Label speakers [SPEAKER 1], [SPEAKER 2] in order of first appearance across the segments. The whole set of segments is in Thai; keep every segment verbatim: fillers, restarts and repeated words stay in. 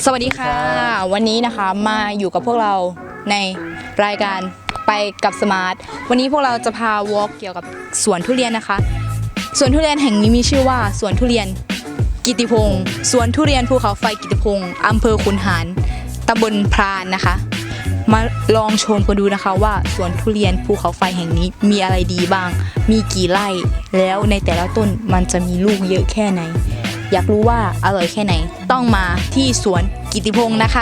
[SPEAKER 1] สวัสดีค่ะวันนี้นะคะมาอยู่กับพวกเราในรายการไปกับสมาร์ทวันนี้พวกเราจะพาวอล์กเกี่ยวกับสวนทุเรียนนะคะสวนทุเรียนแห่งนี้มีชื่อว่าสวนทุเรียนกิติพงศ์สวนทุเรียนภูเขาไฟกิติพงศ์อำเภอขุนหารตำบลพรานนะคะมาลองชมกันดูนะคะว่าสวนทุเรียนภูเขาไฟแห่งนี้มีอะไรดีบ้างมีกี่ไร่แล้วในแต่ละต้นมันจะมีลูกเยอะแค่ไหนอยากรู้ว่าอร่อยแค่ไหนต้องมาที่สวนกิติพงศ์นะคะ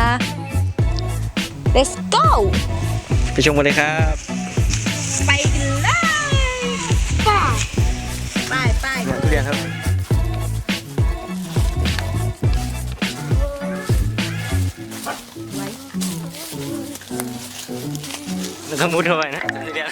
[SPEAKER 1] let's go
[SPEAKER 2] ไปชมกันเลยครับ
[SPEAKER 1] ไปกันเลยไปไป
[SPEAKER 2] ทุเรียนครับมันต้องมุดเข้าไปนะทุเรียน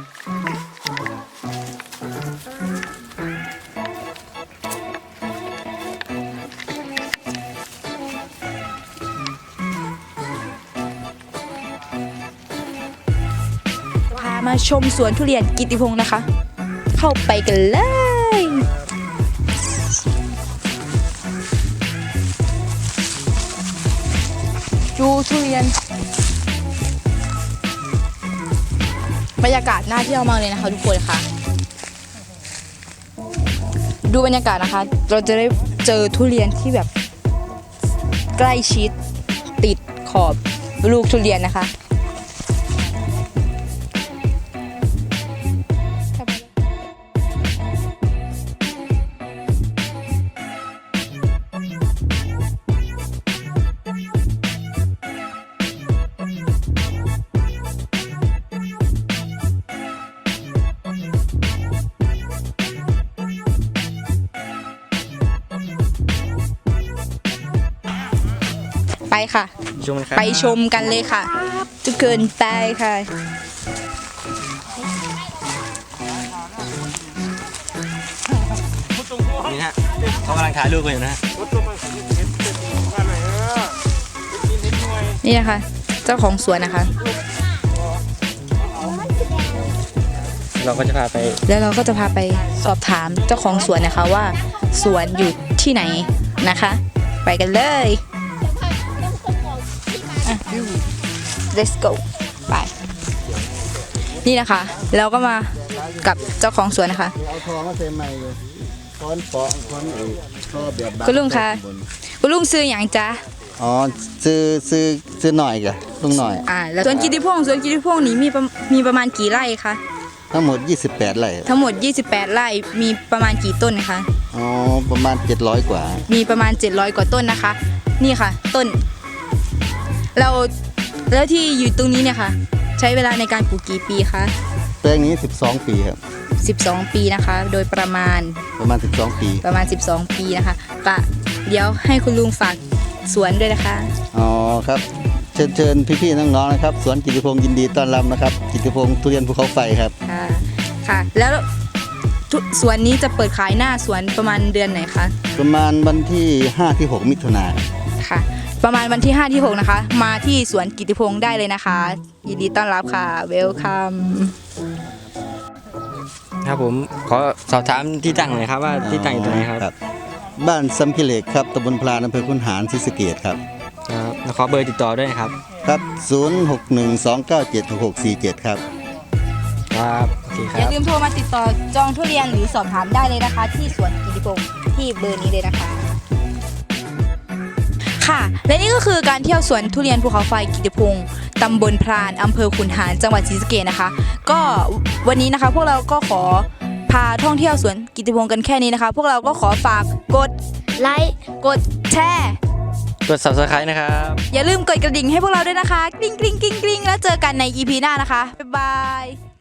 [SPEAKER 1] พามาชมสวนทุเรียนกิติพงศ์นะคะ เข้าไปกันเลยดูทุเรียนบรรยากาศน่าเที่ยวมากเลยนะคะทุกคนค่ะดูบรรยากาศนะคะเราจะได้เจอทุเรียนที่แบบใกล้ชิดติดขอบลูกทุเรียนนะคะไปค่ะไปชมกันเลยค่ะจะเกินไปค่ะ
[SPEAKER 2] นี่ฮะเขากำลังถ่ายรูปกันอยู่นะฮะ
[SPEAKER 1] นี่นะคะเจ้าของสวนนะคะ
[SPEAKER 2] เราก็จะพาไป
[SPEAKER 1] แล้วเราก็จะพาไปสอบถามเจ้าของสวนนะคะว่าสวนอยู่ที่ไหนนะคะไปกันเลยlet's go ไปนี่นะคะเราก็มากับเจ้าของสวนนะคะ
[SPEAKER 3] เอาทอมาเซ็นใหม่เลยค้อนปอค้อนไอ้ท่อแบบบาง
[SPEAKER 1] คุณลุงคะคุณลุงซื้ออย่างจ๊ะ
[SPEAKER 3] อ๋อซื้อซื้อซื้อหน่อยกะลุงหน่อย
[SPEAKER 1] อ่าแล้วสวนกิติพงศ์สวนกิติพงศ์นี้มีมีประมาณกี่ไร่คะ
[SPEAKER 3] ทั้งหมดยี่สิบแปดไร่
[SPEAKER 1] ทั้งหมดยี่สิบแปดไร่มีประมาณกี่ต้นคะ
[SPEAKER 3] อ๋อประมาณเจ็ดร้อยกว่า
[SPEAKER 1] มีประมาณเจ็ดร้อยกว่าต้นนะคะนี่ค่ะต้นเราแล้วที่อยู่ตรงนี้เนี่ยค่ะใช้เวลาในการปลูกกี่ปีคะ
[SPEAKER 3] แปลงนี้สิบสองปีครับ
[SPEAKER 1] สิบสองปีนะคะโดยประมาณ
[SPEAKER 3] ประมาณสิบสองปี
[SPEAKER 1] ประมาณสิบสองปีนะคะกะเดี๋ยวให้คุณลุงฝากสวนด้วยนะคะ
[SPEAKER 3] อ๋อครับเชิญเชิญพี่ๆน้องๆนะครับสวนกิติพงศ์ยินดีต้อนรับนะครับกิติพงศ์ทุเรียนภูเขาไฟครับ
[SPEAKER 1] ค่ะค่ะแล้วสวนนี้จะเปิดขายหน้าสวนประมาณเดือนไหนคะ
[SPEAKER 3] ประมาณวันที่ห้าที่หกมิถุนายน
[SPEAKER 1] ค่ะประมาณวันที่ห้าที่หกนะคะมาที่สวนกิติพงศ์ได้เลยนะคะยินดีต้อนรับค่ะเวลคัม
[SPEAKER 2] ครับผมขอสอบถามที่ตั้งหน่อยครับว่าที่ตั้งอยู่ตรงไหนครับ
[SPEAKER 3] บ้านซัมพิเลกครับตำบลพลานอำเภอขุนหารศรีสะเกษครับ
[SPEAKER 2] ครับแล้วขอเบอร์ติดต่อด้วยครับ
[SPEAKER 3] ครับศูนย์ หก หนึ่ง สอง เก้า เจ็ด หก หก สี่ เจ็ดครับ
[SPEAKER 2] ครับโอเคครับ
[SPEAKER 1] อย่าลืมโทรมาติดต่อจองทุเรียนหรือสอบถามได้เลยนะคะที่สวนกิติพงศ์ที่เบอร์นี้เลยนะคะค่ะและนี่ก็คือการเที่ยวสวนทุเรียนภูเขาไฟกิติพงศ์ตำบลพรานอำเภอขุนหารจังหวัดศรีสะเกษนะคะก็วันนี้นะคะพวกเราก็ขอพาท่องเที่ยวสวนกิติพงศ์กันแค่นี้นะคะพวกเราก็ขอฝากกดไลค์กดแชร์
[SPEAKER 2] กด ซับสไครบ์ นะครับ
[SPEAKER 1] อย่าลืมกดกระดิ่งให้พวกเราด้วยนะคะกริ๊งกริ๊งกริ๊งกริ๊งแล้วเจอกันใน อี พี หน้านะคะบ๊ายบาย